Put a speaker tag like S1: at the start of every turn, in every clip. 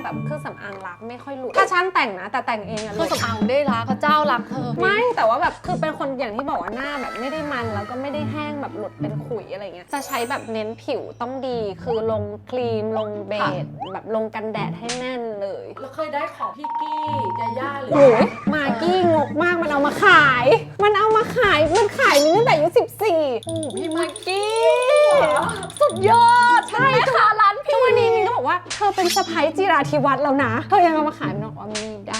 S1: แบบเครื่องสำอางรักไม่ค่อยหลุดถ้าช่างแต่งนะแต่แต่งเองอะ
S2: เครื่องสำอางได้รักพระเจ้ารักเธอ
S1: ไม่แต่ว่าแบบคือเป็นคนอย่างที่บอกว่าหน้าแบบไม่ได้มันแล้วก็ไม่ได้แห้งแบบหลุดเป็นขุยอะไรเงี้ยจะใช้แบบเน้นผิวต้องดีคือลงครีมลงเบสแบบลงกันแดดให้แน่นเลย
S3: แล้วเคยได้ของพี่กี้ยาย่าหรือ
S1: โอ้ยมากกี้งกมากมันเอามาขายมันขายมินตั้งแต่อายุ14
S2: โอ้พี่มากกี้สุดยอดใช่ค่ะร้าน
S1: ทุ
S2: พี่
S1: กวันนี้มินก็บอกว่าเธอเป็นสะใภ้จิราธิวัฒน์แล้วนะเธอยังเอามาขายมินบอกว่าไม่ได้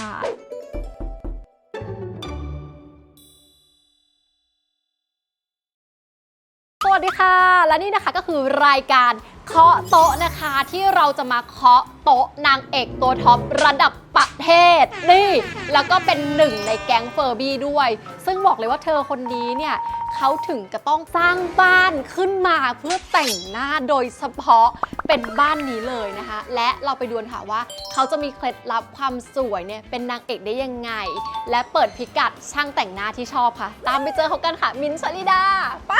S2: สวัสดีค่ะและนี่นะคะก็คือรายการเคาะโต๊ะนะคะที่เราจะมาเคาะโต๊ะนางเอกตัวท็อประดับประเทศนี่แล้วก็เป็นหนึ่งในแก๊งเฟอร์บี้ด้วยซึ่งบอกเลยว่าเธอคนนี้เนี่ยเขาถึงจะต้องสร้างบ้านขึ้นมาเพื่อแต่งหน้าโดยเฉพาะเป็นบ้านนี้เลยนะคะและเราไปดูกันค่ะว่าเขาจะมีเคล็ดลับความสวยเนี่ยเป็นนางเอกได้ยังไงและเปิดพิกัดช่างแต่งหน้าที่ชอบค่ะตามไปเจอเขากันค่ะมิ้นท์ ชลิดาไป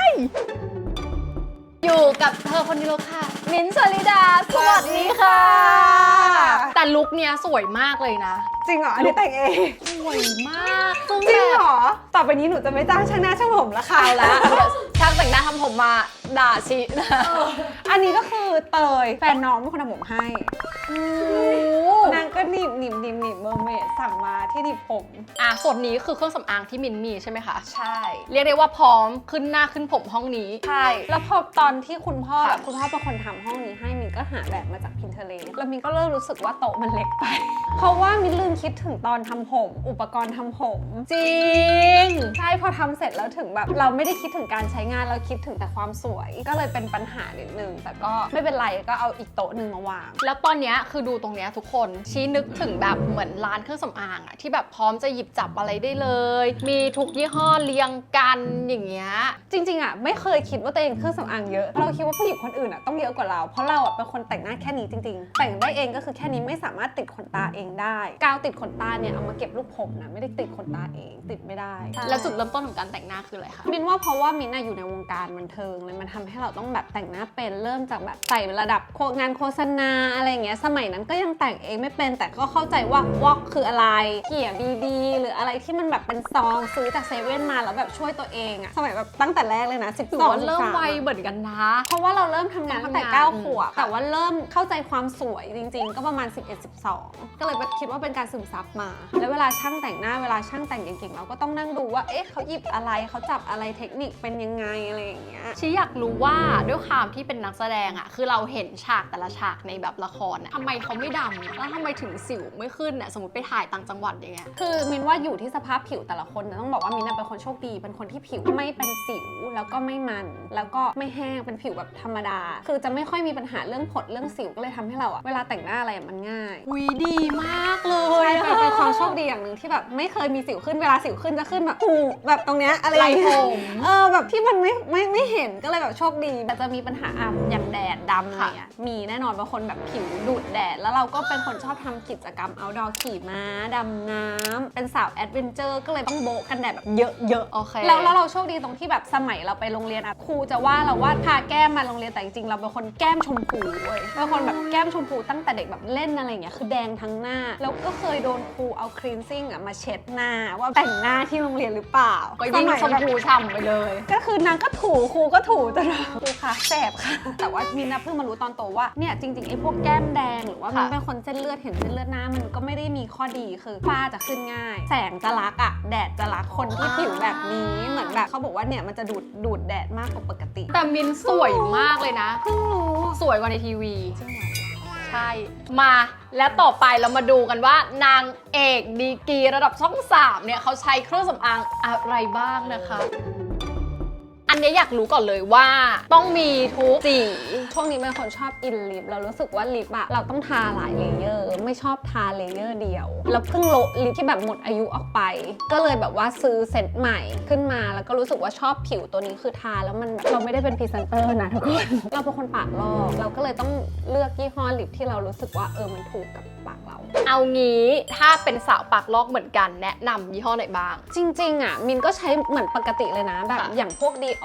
S2: อยู่กับเธอคนนี้เลยค่ะมิ้นท์ ชลิดาสวัสดีค่ะแต่ลุคเนี้ยสวยมากเลยนะ
S1: จริงเหรออันนี้แต่งเอง
S2: สวยมากซึ่ง
S1: จริง
S2: แบบ
S1: เหรอต่อไปนี้หนูจะไม่จ้างช่างหน้าช่างผมละค่ะ
S2: เอาละช่างแต่งหน้าทำผมมาด่าชินะ
S1: อันนี้ก็คือเตยแฟนน้องเป็นคนทำผมให้นางก็หนีบเมอร์เมดสั่งมาที่หนีบผม
S2: ส่วนนี้คือเครื่องสำอางที่มินมีใช่ไหมคะ
S1: ใช่
S2: เรียกได้ว่าพร้อมขึ้นหน้าขึ้นผมห้องนี้
S1: ใช่แล้วพอตอนที่คุณพ่อ
S2: ค่ะ
S1: แบบคุณพ่อเป็นคนทำห้องนี้ให้มินก็หาแบบมาจาก Pinterest แล้วมินก็เริ่มรู้สึกว่าโต๊ะมันเล็กไป เพราะว่ามินลืมคิดถึงตอนทำผม อุปกรณ์ทำผม
S2: จริง
S1: ใช่พอทำเสร็จแล้วถึงแบบเราไม่ได้คิดถึงการใช้งานเราคิดถึงแต่ความสวย ก็เลยเป็นปัญหานิดนึงแต่ก็ไม่เป็นไรก็เอาอีกโต๊ะหนึ่งมาวาง
S2: แล้วตอนเนี้ยคือดูตรงเนี้ยทุกคนชี้นึกถึงแบบเหมือนร้านเครื่องสำอางอะที่แบบพร้อมจะหยิบจับอะไรได้เลย มีทุกยี่ห้อเรียงกันอย่างเงี้ย
S1: จริงๆอ่ะไม่เคยคิดว่าตัวเองเครื่องสำอางเยอะเราคิดว่าผู้หญิงคนอื่นอ่ะต้องเยอะกว่าเราเพราะเราอ่ะเป็นคนแต่งหน้าแค่นี้จริงๆแต่งได้เองก็คือแค่นี้ไม่สามารถติดขนตาเองได้กาวติดขนตาเนี่ยเอามาเก็บลูกผมนะไม่ได้ติดขนตาเองติดไม่ได้
S2: แล้วจุดเริ่มต้นของการแต่งหน้าคืออะไรคะ
S1: มินว่าเพราะว่ามินอยู่ในวงการบันเทิงเลยมันทำให้เราต้องแบบแต่งหน้าเป็นเริ่มจากแบบไต่ระดับงานโฆษณาอะไรอย่างเงี้ยสมัยนั้นก็ยังแต่งเองไม่เป็นแต่ก็เข้าใจว่าวอกคืออะไรเกี่ยบีดีหรืออะไรที่มันแบบเป็นซองซื้อจากเซเว่นมาแล้วแบบช่วยตัวเองอะสมัยแบบตั้งแต่แรกเลยนะ12
S2: ถือว่าเริ่มไวเหมือนกันนะ
S1: เพราะว่าเราเริ่มทำงานตั้งแต่
S2: ทำงาน
S1: 9 ขวบแต่ว่าเริ่มเข้าใจความสวยจริงๆ ก็ประมาณ 11-12 ก็เลยคิดว่าเป็นการซึมซับมา แล้วเวลาช่างแต่งหน้าเวลาช่างแต่งเก่งๆเราก็ต้องนั่งดูว่าเอ๊ะเขาหยิบอะไรเขาจับอะไรเทคนิคเป็นยังไงอะไรอย่างเงี้ย
S2: ชีอยากรู้ว่าด้วยความที่เป็นนักแสดงอะคือเราเห็นฉากแต่ละฉากในแบบละครอะทำไมเขาไม่ดำอะแล้วทำไมถึงสิวไม่ขึ้นอะสมมติไปถ่ายต่างจังหวัดอย่างเงี้ย
S1: คือมินว่าอยู่ที่สภาพผิวแต่ละคนนะต้องบอกว่ามินเป็นคนโชคดีเป็นคนที่ผิวไม่เป็นสิวแล้วก็ไม่มันแล้วก็ไม่แห้งเป็นผิวแบบธรรมดา คือจะไม่ค่อยมีปัญหาเรื่องผดเรื่องสิวก็เลยทำให้เราอะเวลาแต่งหน้าอะไรมันง่าย
S2: อุ๊ยดีมากเล
S1: ใช่
S2: ย
S1: เป็นความโชคดีอย่างหนึ่งที่แบบไม่เคยมีสิวขึ้นเวลาสิวขึ้นจะขึ้นแบบหูแบบตรงเนี้ยอะไรอย่างเงี้
S2: ไหล่
S1: ย
S2: ผม
S1: แบบที่มันไม่เห็นก็เลยแบบโชคดีแต่จะมีปัญหาอย่างแดดดำอะไรเงี้ยมีแน่นอนบางคนแบบผิวดูดแดดแล้วเราก็เป็นคนชอบทำกิจกรรม outdoor ขี่ม้าดำน้ำเป็นสาวแอดเวนเจอร์ก็เลยต้องโบะกันแดดแบบเยอะ
S2: โอเค
S1: ๆแล้วเราโชคดีตรงที่แบบสมัยเราไปโรงเรียนครูจะว่าเราว่าทาแก้มมาโรงเรียนแต่จริงๆเราเป็นคนแก้มชมพูเว้ยเป็นคนแบบแก้มชมพูตั้งแต่เด็กแบบเล่นอะไรเงี้ยคือแดงทั้งหน้าแล้วก็เคยโดนครูเอาคลีนซิ่งมาเช็ดหน้าว่าแต่งหน้าที่โรงเรียนหรือเปล่า
S2: ก็ยิ่งชมพูฉ่ำไปเลย
S1: ก็คือนางก็ถูครูก็ถูจนแบบครูคะแสบค่ะ แต่ว่ามินนะเพิ่งมารู้ตอนโตว่าเนี่ยจริงๆไอ้พวกแก้มแดงหรือว่ามัน
S2: ค่ะ
S1: เป็นคนเส้นเลือดเห็นเส้นเลือดหน้ามันก็ไม่ได้มีข้อดีคือฝ้าจะขึ้นง่าย แสงจะรักอะแดดจะรักคนที่ผิวแบบนี้เหมือนแบบเขาบอกว่าเนี่ยมันจะดูดแดดมากกว่าปกติ
S2: แต่มินสวยมากเลยนะ
S1: เพิ่งรู้
S2: สวยกว่าในทีวี
S1: จริงเหรอ
S2: ใช่ มาและต่อไปเรามาดูกันว่านางเอกดีกรีระดับช่อง 3เนี่ยเขาใช้เครื่องสำอางอะไรบ้างนะคะ อันนี้อยากรู้ก่อนเลยว่าต้องมีทุกสี
S1: ช่วงนี้เป็นคนชอบอินลิปเรารู้สึกว่าลิปอะเราต้องทาหลายเลเยอร์ไม่ชอบทาเลเยอร์เดียวแล้วเพิ่งโละลิปที่แบบหมดอายุออกไป ก็เลยแบบว่าซื้อเซตใหม่ขึ้นมาแล้วก็รู้สึกว่าชอบผิวตัวนี้คือทาแล้วมันแบบเราไม่ได้เป็นพรีเซนเตอร์นะทุกคน เราเป็นคนปากลอกเราก็เลยต้องเลือกยี่ห้อลิปที่เรารู้สึกว่ามันถูกกับปากเรา
S2: เอางี้ถ้าเป็นสาวปากลอกเหมือนกันแนะนำยี่ห้อไหนบ้าง
S1: จริงๆอะมินก็ใช้เหมือนปกติเลยนะแบบ
S2: ค่ะ
S1: อย่างพวกดีอ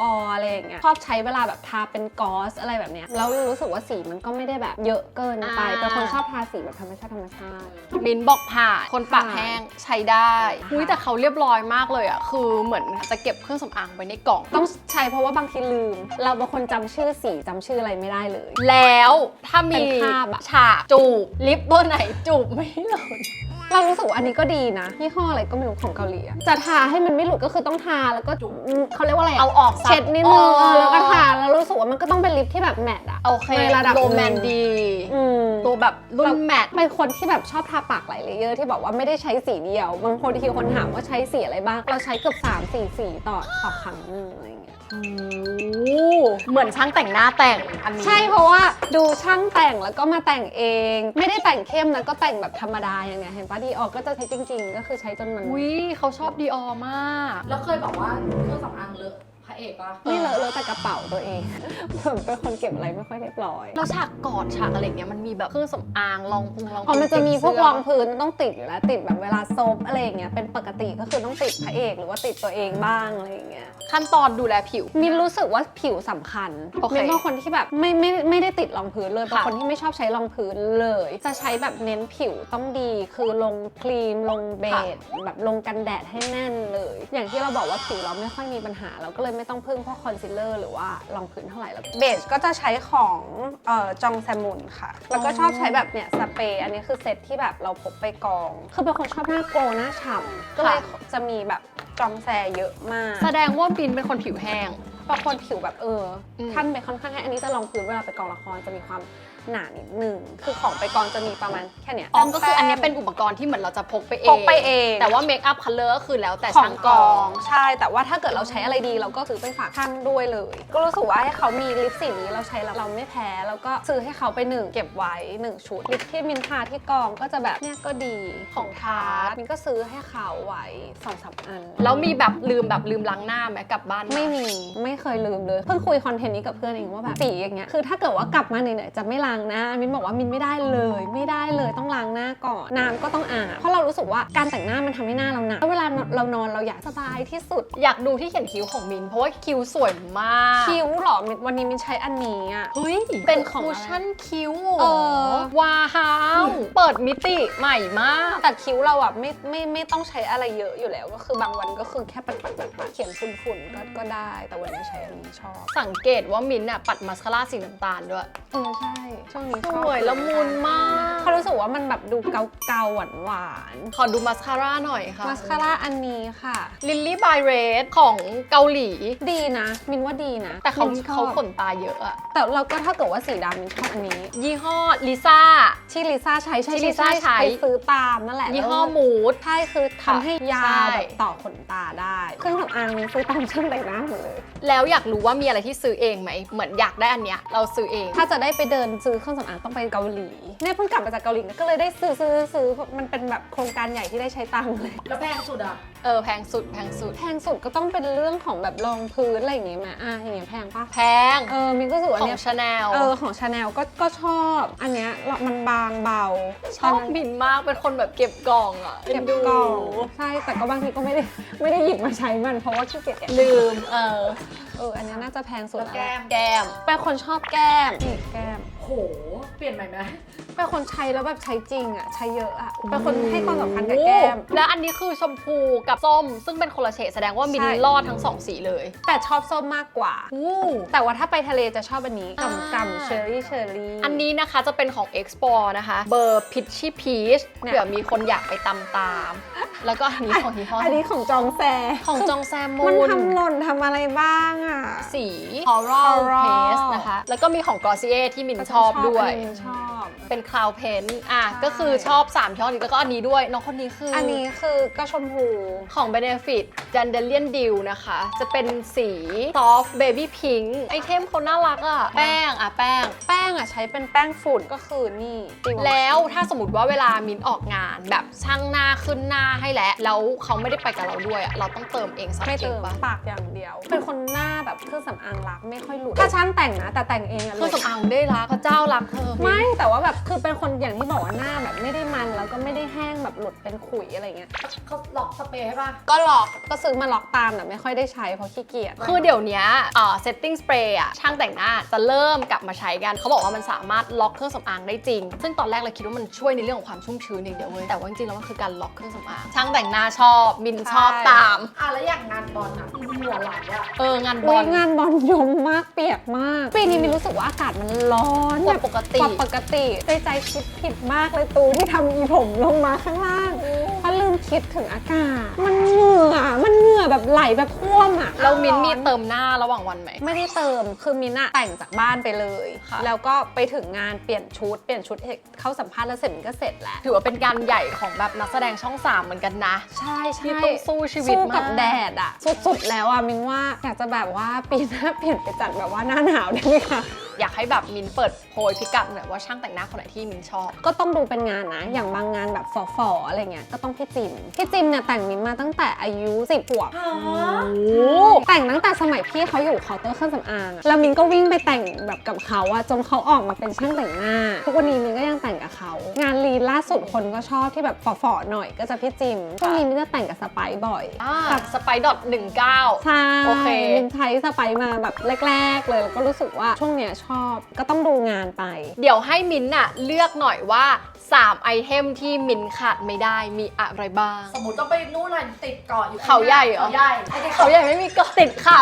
S1: อะไรอย่างเงี้ยชอบใช้เวลาแบบทาเป็นกอสอะไรแบบเนี้ยแล้วรู้สึกว่าสีมันก็ไม่ได้แบบเยอะเกินไปเป็นคนชอบทาสีแบบธรรมชาติ
S2: มิ้นบอกผ่านคนปากแห้งใช้ได้อุ้ยแต่เขาเรียบร้อยมากเลยอ่ะคือเหมือนจะเก็บเครื่องสำอางไว้ในกล่อง
S1: ต้องใช้เพราะว่าบางทีลืมเราบางคนจำชื่อสีจำชื่ออะไรไม่ได้เลย
S2: แล้วถ้ามี
S1: เป็นภาพอะ
S2: ฉากจูบลิปตัวไหนจูบไม่หล่น
S1: เรารู้สึกว่าอันนี้ก็ดีนะยี่ห้ออะไรก็ไม่รู้ของเกาหลีอะจะทาให้มันไม่หลุดก็คือต้องทาแล้วก็เขาเรียกว่าอะไร
S2: เอาออก
S1: เช็ดนิดนึงแล้วก็ทาแล้วรู้สึกว่ามันก็ต้องเป็นลิปที่แบบแมตต์อะ
S2: โอเค
S1: ในระดับ
S2: โรแมนดีตัวแบบรุ่นแมตต์
S1: เป็นคนที่แบบชอบทาปากหลายเลเยอร์ที่บอกว่าไม่ได้ใช้สีเดียวบางคนที่คนถามว่าใช้สีอะไรบ้างเราใช้เกือบ3-4 สีต่อครั้งนึงอะไรอย่างเงี้ย
S2: เหมือนช่างแต่งหน้าแต่งอันนี้
S1: ใช่เพราะว่าดูช่างแต่งแล้วก็มาแต่งเองไม่ได้แต่งเข้มนะก็แต่งแบบธรรมดาอย่างเงี้ยเห็นปะดีออกก็จะใช้จริงๆก็คือใช้จนมัน
S2: อุ้ยเขาชอบดีออมาก
S3: แล้วเคยบอกว่าเครื่องสำอางเลอะพระเอกปะ
S1: ไม่เลอะแต่กระเป๋าตัวเองผมเป็นคนเก็บอะไรไม่ค่อยเรียบร้อย
S2: แล้วฉากกอดฉากอะไรเงี้ยมันมีแบบเครื่องสำอางรองพื้น
S1: มันจะมีพวกรองพื้นต้องติดอยู่แล้วติดแบบเวลาซบอะไรอย่างเงี้ยเป็นปกติก็คือต้องติดพระเอกหรือว่าติดตัวเองบ้างอะไรอย่างเงี้ย
S2: ขั้นตอนดูแลผิว
S1: มินรู้สึกว่าผิวสำคัญมินเป็นคนที่แบบไม่ได้ติดรองพื้นเลยเป็นคนที่ไม่ชอบใช้รองพื้นเลยจะใช้แบบเน้นผิวต้องดีคือลงครีมลงเบสแบบลงกันแดดให้แน่นเลยอย่างที่เราบอกว่าผิวเราไม่ค่อยมีปัญหาเราก็เลยไม่ต้องพึ่งพวกคอนซีลเลอร์หรือว่ารองพื้นเท่าไหร่แล้วเบสก็จะใช้ของจองแซมมุนค่ะแล้วก็ชอบใช้แบบเนี่ยสเปรย์อันนี้คือเซตที่แบบเราพกไปกองคือเป็นคนชอบหน้าโกลหน้าฉ่ำก็เลยจะมีแบบจองแซเยอะมาก
S2: แสดงว่าบินเป็นคนผิวแห้ง
S1: บางคนผิวแบบท่านไปค่อนข้างแห้งอันนี้จะลองพื้นเวลาไปกองละครจะมีความหนานิดนึงคือของไปกองจะมีประมาณแค่เนี้ย
S2: ก็คืออันนี้เป็นอุปกรณ์ที่เหมือนเราจะพกไปเอง แต่ว่าเมคอัพคัลเลอร์ก็คือแล้วแต่ช่างกอง
S1: ใช่แต่ว่าถ้าเกิดเราใช้อะไรดีเราก็ซื้อไปฝากท่านด้วยเลยก็รู้สึกว่าให้เขามีลิปสีนี้เราใช้แล้วเราไม่แพ้แล้วก็ซื้อให้เขาไป1เก็บไว้1ชุดลิปที่มินทาที่กองก็จะแบบเนี่ยก็ดีของทาร์ตมินก็ซื้อให้เขาไว้2-3 อัน
S2: แล้วมีแบบลืมล้างหน้าไหมกลับบ้าน
S1: ไม่เคยลืมเลยเพิ่งคุยคอนเทนต์นี้กับเพื่อนเองว่าแบบสีอย่างเงี้ยคือถ้าเกิดว่ากลับมาเหนื่อยๆจะไม่ล้างหน้ามินบอกว่ามินไม่ได้เลยต้องล้างหน้าก่อนน้ำก็ต้องอาบเพราะเรารู้สึกว่าการแต่งหน้ามันทำให้หน้าเราหนาเวลาเรานอนเราอยากสบายที่สุด
S2: อยากดูที่เขียนคิ้วของมินเพราะว่าคิ้วสวยมาก
S1: คิ้วหรอวันนี้มินใช้อันนี้อ่ะ
S2: เฮ้ยเป็นคุชชั่นคิ้วว้าวเปิดมิติใหม่มาก
S1: แต่คิ้วเราอ่ะไม่ต้องใช้อะไรเยอะอยู่แล้วก็คือบางวันก็คือแค่ปัดเขียนฝุ่นก็ได้แต่วันนี้ใช้อันนี้ชอบ
S2: สังเกตว่ามินอ่ะปัดมาสคาร่าสีน้ำตาลด้วย
S1: ใช่ช่วงนี้
S2: สวยละมุนมาก
S1: เขารู้สึกว่ามันแบบดูเกาหวาน
S2: ขอดูมาสคาร่าหน่อยค่ะ
S1: มาสคาร่าอันนี้ค่ะ
S2: Lily by Red ของเกาหลี
S1: ดีนะมินว่าดีนะ
S2: แต่เขาขนตาเยอะอะ
S1: แต่เราก็ถ้าเกิดว่าสีดำมินชอบอันนี้
S2: ยี่ห้อลิซ่า
S1: ที่ลิซ่าใช้
S2: ไป
S1: ซื้อตามนั่นแหละ
S2: ยี่ห้อมูด
S1: ใช่คือทำให้ยาวแบบต่อขนตาได้เครื่องสำอางมินซื้อตามช่างแต่งหน้าหมดเลย
S2: แล้วอยากรู้ว่ามีอะไรที่ซื้อเองไหมเหมือนอยากได้อันเนี้ยเราซื้อเอง
S1: ถ้าจะได้ไปเดินซื้อเครื่องสำอางต้องไปเกาหลีเนี่ยเพิ่งกลับมาจากเกาหลีก็เลยได้ซื้อมันเป็นแบบโครงการใหญ่ที่ได้ใช้ตังค์เลย
S3: แล้วแพงสุดอ่ะ
S2: แพงสุด
S1: ก็ต้องเป็นเรื่องของแบบรองพื้นอะไรอย่างงี้ไหมอย่างเงี้ยแพงปะ
S2: แพง
S1: มินก็รู้สึกว่า
S2: ของชาแนล
S1: ของชาแนลก็ชอบอันเนี้ยมันบางเบา
S2: ชอบมินมากเป็นคนแบบเก็บกล่องอ่ะ
S1: เก็บกล่องใช่แต่ก็บางทีก็ไม่ได้หยิบมาใช้มันเพราะว่าขี้เกียจ
S2: ลืม
S1: อันนี้น่าจะแพงสุดแล้ว
S2: แก้ม
S1: เป็นคนชอบแก้ม
S3: โหเปลี่ยนใหม่ไหม
S1: เป็นคนใช้แล้วแบบใช้จริงอ่ะใช้เยอะอ่ะเป็นคนให้ความสำคัญกับแก้ม
S2: แล้วอันนี้คือชมพูกับส้มซึ่งเป็นคนละเฉดแสดงว่ามินรอดทั้ง2สีเลย
S1: แต่ชอบส้มมากกว่าแต่ว่าถ้าไปทะเลจะชอบอันนี้กำเชอร์รี่
S2: อันนี้นะคะจะเป็นของ Explore นะคะเบอร์ Pitchy Peach เผื่อมีคนอยากไปตามแล้วก็อันนี้ของยี่ห้อ
S1: อันนี้ของจองแ
S2: ซมูน
S1: มันทำหล่นทำอะไรบ้างอ่ะ
S2: สี Coral Paste นะคะแล้วก็มีของ Glossier ที่มินชอบด้วยเป็น Cloud Paint ก็คือชอบ3ช่อนี้แล้วก็อันนี้ด้วยน้องคนนี้คือ
S1: อันนี้คือก็ชมพู
S2: ของ Benefit Dandelion Dew นะคะจะเป็นสี Soft Baby Pink ไอเทมเขาน่ารักอ่ะแป้ง
S1: ใช้เป็นแป้งฝุ่นก็คือนี่
S2: แล้วถ้าสมมติว่าเวลามินออกงานแบบช่างหน้าขึ้นหน้าให้แล้วเขาไม่ได้ไปกับเราด้วยเราต้องเติมเองสัก
S1: ไม่เติมปากอย่างเดียวเป็นคนหน้าแบบเครื่องสำอางรักไม่ค่อยหลุดถ้าช่างแต่งนะแต่แต่งเองอะ
S2: เครื่องสำอางได้รักพระเจ้ารักเธอ
S1: ไม่แต่ว่าแบบคือเป็นคนอย่างที่บอกว่าหน้าแบบไม่ได้มันแล้วก็ไม่ได้แห้งแบบหลุดเป็นขุยอะไรเงี้ย
S3: เขาหลอกสเปรย์ให้ป่ะ
S1: ก็ล็อกก็ซื้อมาล็อกตามแต่ไม่ค่อยได้ใช้เพราะขี้เกียจ
S2: คือเดี๋ยวเนี้ยsetting spray อะช่างแต่งหน้าจะเริ่มกลับมาใช้กันเขาบอกว่ามันสามารถล็อกเครื่องสำอางได้จริง ซึ่งตอนแรกเราคิดว่ามันช่วยในเรื่องของความชุ่มชื้นอย่างเดียวเว้ยแต่ว่าจริงๆแล้วมันคือการล็อกเครื่องสำอางช่างแต่งหน้าชอบมินชอบตาม
S3: แล้วอย่างงานบอลอะเหงื่อไหลอะ
S2: งานบ
S1: อุ๊
S2: อย ล
S1: งานบอลยมมากเปียกมากปีนี้มีรู้สึกว่าอากาศมันร้อน
S2: กว่าปกติ
S1: กว่าปกติใจคิดผิดมากเลยตูที่ทำอีผมลงมาข้างล่างเพราะลืมคิดถึงอากาศมันเหงื่อแบบไหลแบบท่วมอ่ะ
S2: เรามินมีเติมหน้าระหว่างวันไหม
S1: ไม่ได้เติมคือมินอะแต่งจากบ้านไปเลย
S2: ค่ะ
S1: แล้วก็ไปถึงงานเปลี่ยนชุดเข้าสัมภาษณ์แล้วเสร็จมินก็เสร็จแล้ว
S2: ถือว่าเป็นการใหญ่ของแบบนักแสดงช่อง 3เหมือนกันนะ
S1: ใช่
S2: ที่ต้องสู้ชีวิต
S1: สู้กับ
S2: มาก
S1: แดดอะสุดๆแล้วอะมินว่าอยากจะแบบว่าปีหน้าเปลี่ยนไปจัดแบบว่าหน้าหนาวได้ไหมคะ
S2: อยากให้แบบมินเปิดโพยพิกัดหน่อยว่าช่างแต่งหน้าคนไหนที่มินชอบ
S1: ก็ต้องดูเป็นงานนะ อย่างบางงานแบบฝอๆอะไรเงี้ยก็ต้องพี่จิมเนี่ยแต่งมินมาตั้งแต่อายุ10 ขวบ แต่งตั้งแต่สมัยพี่เขาอยู่เคาน์เตอร์เครื่องสำอางอะแล้วมินก็วิ่งไปแต่งแบบกับเขาอะจนเขาออกมาเป็นช่างแต่งหน้า ทุกวันนี้มินก็ยังแต่งกับเขา งานลีนล่าสุดคนก็ชอบที่แบบฝอๆหน่อยก็จะพี่จิมช่วงนี้มินจะแต่งกับสไปซ์บ่อย
S2: กับสไปดอท19
S1: ใช่
S2: โอเค
S1: มินใช้สไปซ์มาแบบแรกๆเลยแล้วก็รู้สึกว่าช่วงเนี้ยชอบก็ต้องดูงานไป
S2: เดี๋ยวให้มินท์อะเลือกหน่อยว่า3ไอเทมที่มินท์ขาดไม่ได้มีอะไรบ้าง
S3: สมมติต้องไปนู่นน่ะติดเกาะอยู่
S2: เขาใหญ่เหรอ
S3: เขาใหญ่ไม่ได้
S2: เขาใหญ่ไม่มีเกาะติดเขา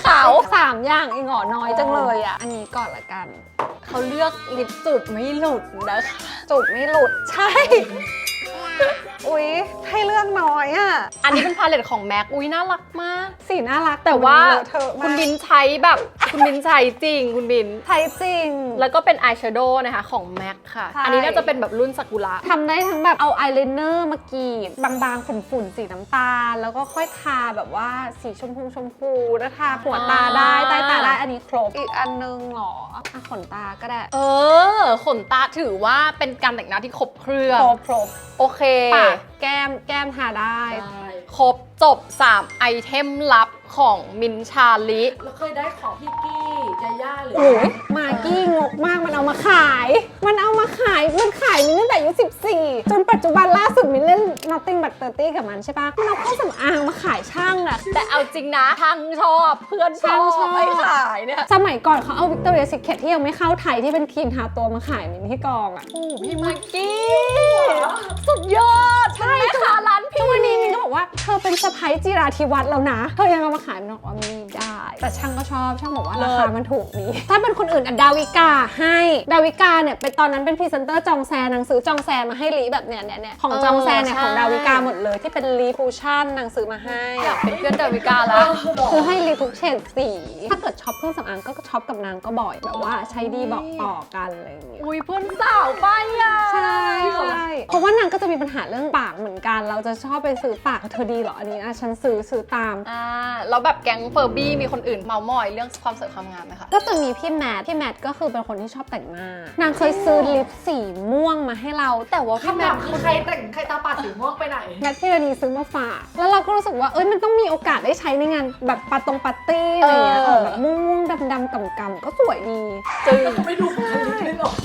S1: 3 อย่างเองเหรอน้อยจังเลยอ่ะ อันนี้ก่อนละกัน
S2: เขาเลือกลิปจุดไม่หลุดนะคะ
S1: จุดไม่หลุด ใช่ อุ๊ย ให้เลือกน้อยอ่ะ
S2: อันนี้เป็นพาเลตของแม็กอุ้ยน่ารักมาก
S1: สีน่ารัก
S2: แต่ว่า
S1: เลอะเทอะ
S2: คุ
S1: มา
S2: ณ
S1: ก
S2: บินใช้แบบคุณบินใช้จริงคุณบิน
S1: ใช้จริง
S2: แล้วก็เป็นอายแชโดว์นะคะของแม็กค่ะ
S1: ใช่
S2: อันนี้น่าจะเป็นแบบรุ่นซากุระ
S1: ทำได้ทั้งแบบเอาอายไลเนอร์มากรีดบางๆฝุ่นๆสีน้ำตาล แล้วก็ค่อยทาแบบว่าสีชมพูแล้วทาหัวตาได้ใต้ตาได้อันนี้ครบ อีกอันนึงเหรออ่ะขนตาก็ได้
S2: ขนตาถือว่าเป็นการแต่งหน้าที่ครบเครื่อง
S1: ครบ
S2: โอเค
S1: ปากแก้มทาได้
S3: ได้
S2: ครบจบ 3 ไอเทมลับของมินท์ชาลิ
S3: แล้วเคยได้ของพี่กี้ยาย่าหรือ
S1: โอ้ยมากกี้งกมากมันเอามาขาย มันขายมินตั้งแต่อายุ14 จนปัจจุบันล่าสุดมินเล่น Nothing but 30กับมันใช่ปะมันเอาเครื่องสำอางมาขายช่างอะ
S2: แต่เอาจริงนะช่างชอบเพื่อนช
S1: ช่างช
S2: อ
S1: อ
S2: บบ ไปขายเนี่ย
S1: สมัยก่อนเขาเอา Victoria's Secret ที่ยังไม่เข้าไทยที่เป็นครีมทาตัวมาขายมินที่กองอะ
S2: โอ้พี่มากกี้สุดยอดใช่ค่ะร้าน
S1: ทุ
S2: พี่
S1: กวันนี้มินก็บอกว่าเธอเป็นสะพ้ายจิราธิวัฒน์แล้วนะเธอยังเอามาขายมินบอกว่าไม่ได้ แต่ช่างก็ชอบช่างบอกว่าราคามันถูกดีถ้าเป็นคนอื่นอะดาวิกาให้ดาวิกาเนี่ยเป็นตอนนั้นเป็นพรีเซนเตอร์จองแซนนางซื้อจองแซนมาให้ลีแบบเนี้ยของจองแซนเนี่ยของดาวิกาหมดเลยที่เป็นลีคูชั่นนางซื้อมาให้
S2: อยากเป็นเพื่อนดาวิกาแล้ว
S1: คือให้ลีทุกเฉดสี ถ้าเกิดช็อปเครื่องสำอางก็ช็อปกับนางก็บ่อยแบบว่าใช้ดีบอกต่อกันอะไรอย่างเงี้ย
S2: อุ้ยเพื่อนสาวไปอ่ะ
S1: ใช่เพราะว่านางก็จะมีปัญหาเรื่องปากเหมือนกัน เราจะชอบไปซื้อปากเธอดีเหรออันนี้ฉันซื้อตาม
S2: แล้วแบบแก๊งเฟอร์บี้มีคนอื่นเมามอยเรื่องความสวยความงามไหมคะ
S1: ก็จะมีพี่แมทก็คือเป็นคนที่ชอบแต่งหน้า นางเคยซื้อลิปสีม่วงมาให้เรา แต่ว่าพี่
S3: คำ
S1: แม
S3: ถา
S1: ท
S3: มคือใครแต่งใครตาปาดสีม่วงไปไหน
S1: แมทพี่รานีซื้อมาฝาก แล้วเราก็รู้สึกว่ามันต้องมีโอกาสได้ใช้ในงานแบบปาร์ตี้อะไรอย่างเงี้ยแบบม่วงๆดำๆกำๆก็สวยดี
S2: จึง
S3: ไม่ดูใครเลยหรอ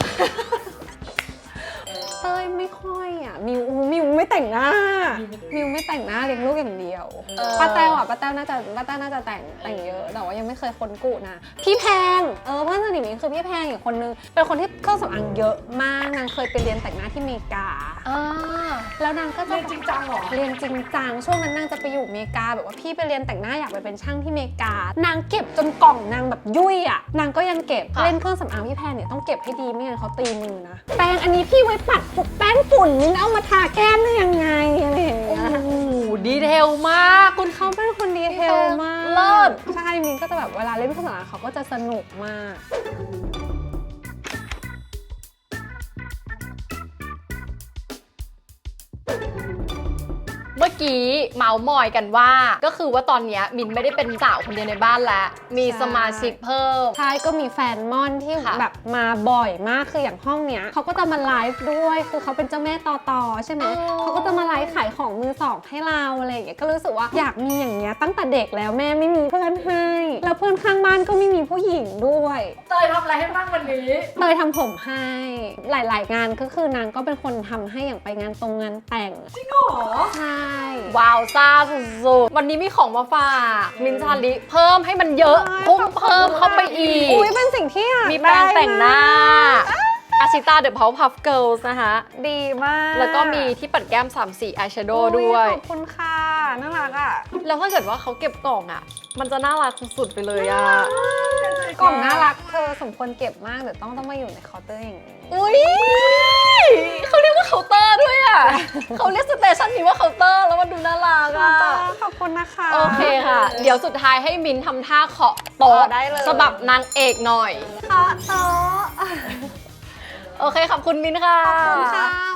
S1: เต้ยไม่ค่อยอ่ะมิวไม่แต่งหน้ามิวไม่แต่งหน้าเลี้ยงลูกอย่างเดียวป้าแต้วน่าจะแต่งเยอะแต่ว่ายังไม่เคยค้นกูนะพี่แพงเพื่อนสนิทมิวคือพี่แพงอีกคนนึงเป็นคนที่เครื่องสำอางเยอะมากนางเคยไปเรียนแต่งหน้าที่อเมริกาแล้วนางก็จะ
S3: เรียนจริงจังเหรอ
S1: เรียนจริงจังช่วงนั้นนางจะไปอยู่อเมริกาแบบว่าพี่ไปเรียนแต่งหน้าอยากไปเป็นช่างที่อเมริกานางเก็บจนกล่องนางแบบยุ่ยอ่ะนางก็ยังเก็บเล่นเครื่องสำอางพี่แพงเนี่ยต้องเก็บให้ดีไม่งั้นเขาตีมือนะแปรงอันนี้พี่ไว้ปัดพวกแป้งฝุ่นนี่เอามาทาแก้มได้ยังไงอะไรอย่างเงี้ย
S2: โอ้โหดีเทลมากคุณ
S1: เขาเป็นคนดีเทลมาก
S2: เลิศ
S1: ใช่มินก็จะแบบเวลาเล่นเครื่องสำอางเขาก็จะสนุกมาก
S2: เมื่อกี้เมาส์มอยกันว่าก็คือว่าตอนเนี้ยมินไม่ได้เป็นสาวคนเดียวในบ้านแล้วมีสมาชิกเพิ่ม
S1: ใช่ก็มีแฟนม่อนที่
S2: ค่ะ
S1: แบบมาบ่อยมากคืออย่างห้องเนี้ยเขาก็จะมาไลฟ์ด้วยคือเขาเป็นเจ้าแม่ต่อใช่ไหม
S2: อ๋อ
S1: เขาก็จะมาไลฟ์ขายของมือสองให้เราอะไรอย่างเงี้ยก็รู้สึกว่าอยากมีอย่างเงี้ยตั้งแต่เด็กแล้วแม่ไม่มีเพื่อนให้แล้วเพื่อนข้างบ้านก็ไม่มีผู้หญิงด้วย
S3: เตยทำอะไรให้บ้างวันนี้
S1: เตยทำผมให้หลายๆงานก็คือนางก็เป็นคนทำให้อย่างไปงานตรงงานแต่ง
S3: จริงเหรอ
S1: ใช่
S2: ว้าวซ่าสุดๆวันนี้มีของมาฝากมินท์ชาลิเพิ่มให้มันเยอะพุ่งเพิ่มเข้าไปอีก
S1: อุ้ยเป็นสิ่งที่อยาก
S2: มีแปรงแต่งหน้า
S1: ได้
S2: อาชิตาเดอะเพาพัฟเกิลส์นะคะ
S1: ดีมาก
S2: แล้วก็มีที่ปัดแก้ม3สีอายแชโดว์ด้วย
S1: ขอบคุณค่ะน่ารักอ่ะ
S2: แล้วถ้าเกิดว่าเขาเก็บกล่องอ่ะ มันจะน่ารักสุดๆไปเลยอ่ะ
S1: กล่องน่ารักเธอสมควรเก็บมากเดี๋ยวต้องมาอยู่ในเคาน์เตอร์อย่างนี้
S2: อุ้ยเขาเรียกว่าเคาน์เตอร์ด้วยอ่ะ เขาเรียกสเตชันนี้ว่าเคาน์เตอร์แล้วมันดูน่ารักอ่ะ
S1: ขอบคุณนะคะ
S2: โอเคค่ะ เดี๋ยวสุดท้ายให้มินทำท่าเคาะโต๊ะ
S1: ได้เลย
S2: ฉบับนางเอกหน่อย
S1: เคาะโต๊ะ
S2: โอเคขอบคุณมินค่ะ
S1: ขอบคุณค่ะ